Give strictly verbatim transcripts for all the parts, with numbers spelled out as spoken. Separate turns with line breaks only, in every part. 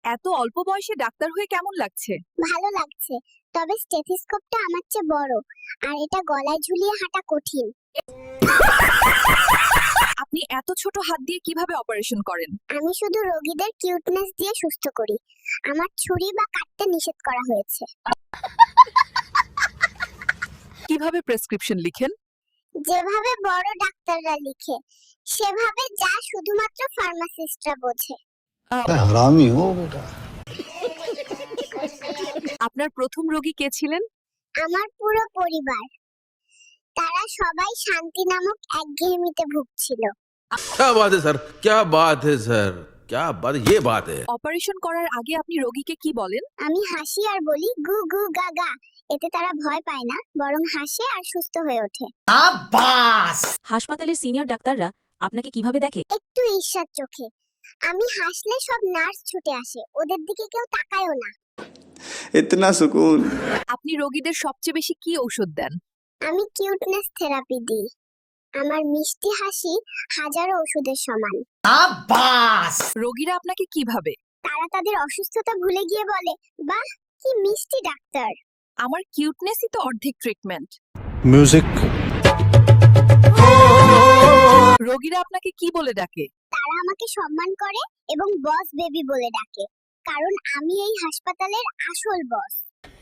এত অল্প বয়সে ডাক্তার হয়ে কেমন লাগছে?
ভালো লাগছে, তবে স্টেথিস্কোপটা আমার চেয়ে বড় আর এটা গলায় ঝুলিয়ে হাঁটা কঠিন।
আপনি এত ছোট হাত দিয়ে কিভাবে অপারেশন করেন?
আমি শুধু রোগীদের কিউটনেস দিয়ে সুস্থ করি। আমার ছুরি বা কাটতে নিষেধ করা হয়েছে।
কিভাবে প্রেসক্রিপশন লিখেন?
যেভাবে বড় ডাক্তাররা লিখে, সেভাবে যা শুধুমাত্র ফার্মাসিস্টরা বোঝে।
हरामी हो बेटा।
আপনার প্রথম রোগী কে ছিলেন?
আমার পুরো পরিবার, তারা সবাই শান্তি নামক একঘেয়েমিতে ভুগছিল।
क्या बात है सर, क्या बात है सर, क्या बात, ये बात है।
অপারেশন করার আগে আপনি রোগীকে কি বলেন?
আমি হাসি আর বলি গু গু গা গা। এতে তারা ভয় পায় না, বরং হাসে আর সুস্থ হয়ে ওঠে।
হাসপাতালের সিনিয়র ডাক্তাররা আপনাকে কিভাবে দেখে?
একটু ঈর্ষার চোখে। আমি হাসলে সব নার্স ছুটে আসে, ওদের দিকে কেউ তাকায়ও না।
इतना सुकून।
আপনি রোগীদের সবচেয়ে বেশি কি ঔষধ দেন?
আমি কিউটনেস থেরাপি দিই। আমার মিষ্টি হাসি হাজারো ওষুধের সমান।
রোগীরা আপনাকে কিভাবে?
তারা তাদের অসুস্থতা ভুলে গিয়ে বলে, বাহ কি মিষ্টি ডাক্তার।
আমার কিউটনেসই তো অর্ধেক ট্রিটমেন্ট।
म्यूजिक।
রোগীরা আপনাকে কি বলে ডাকে?
তারা আমাকে সম্মান করে এবং বস বেবি বলে ডাকে, কারণ আমি এই হাসপাতালের আসল বস।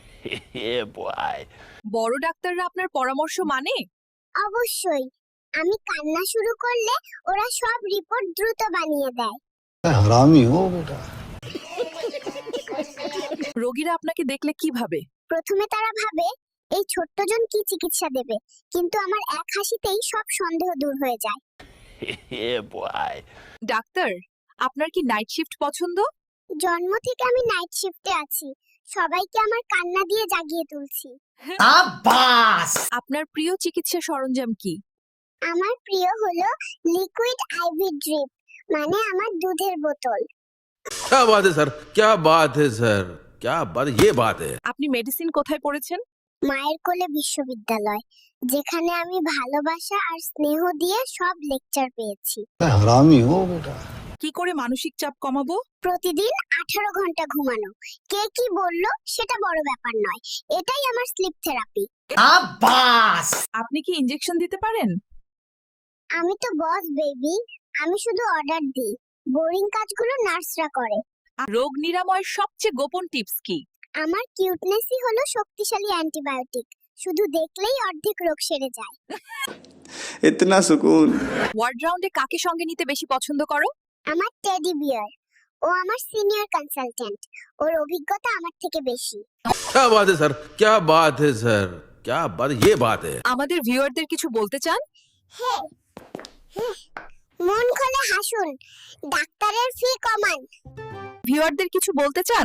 বড় ডাক্তাররা আপনার পরামর্শ মানে?
অবশ্যই, আমি কান্না শুরু করলে ওরা সব রিপোর্ট দ্রুত বানিয়ে দেয়।
हरामी हो बेटा।
রোগীরা আপনাকে দেখলে কিভাবে?
প্রথমে তারা ভাবে এই ছোট্টজন কি চিকিৎসা দেবে, কিন্তু আমার এক হাসিতেই সব সন্দেহ দূর হয়ে যায়।
ডাক্তার, আপনার কি নাইট শিফট পছন্দ?
জন্ম থেকে আমি নাইট শিফটে আছি, সবাইকে আমার কান্না দিয়ে জাগিয়ে তুলছি।
আপনার প্রিয় চিকিৎসা সরঞ্জাম কি?
আমার প্রিয় হলো লিকুইড আইভি ড্রিপ, মানে আমার দুধের বোতল।
क्या बात है सर, क्या बात है सर, क्या बात, ये बात है।
আপনি মেডিসিন কোথায় পড়েছেন?
মায়ের কোলে বিশ্ববিদ্যালয়, যেখানে আমি ভালোবাসা আর স্নেহ দিয়ে সব লেকচার পেয়েছি।
हरामी हो बेटा।
কি করে মানসিক চাপ কমাবো?
প্রতিদিন আঠারো ঘন্টা ঘুমানো। কে কি বললো সেটা বড় ব্যাপার নয়, এটাই আমার স্লিপ থেরাপি।
আপনি কি ইনজেকশন দিতে পারেন?
আমি তো বস বেবি, আমি শুধু অর্ডার দিই, বোরিং কাজগুলো নার্সরা করে।
রোগ নিরাময়ের সবচেয়ে গোপন টিপস কি?
আমার কিউটনেসই হলো শক্তিশালী অ্যান্টিবায়োটিক, শুধু দেখলেই অর্ধেক রোগ সেরে যায়।
इतना सुकून।
ওয়ার্ড রাউন্ডে কাকে সঙ্গে নিতে বেশি পছন্দ করো?
আমার টেডি বিয়ার, ও আমার সিনিয়র কনসালটেন্ট, ওর অভিজ্ঞতা আমার থেকে বেশি।
क्या बात है सर, क्या बात है सर, क्या बात, ये बात है।
আমাদের ভিউয়ারদের কিছু বলতে চান?
মন খুলে হাসুন, ডাক্তারের ফি কমান।
ভিউয়ারদের কিছু বলতে চান?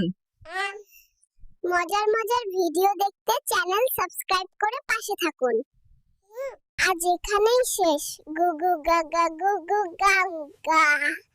মজার মজার ভিডিও দেখতে চ্যানেল সাবস্ক্রাইব করে পাশে থাকুন। আজ এখানেই শেষ। গু গু গা গা গু গু গা গা।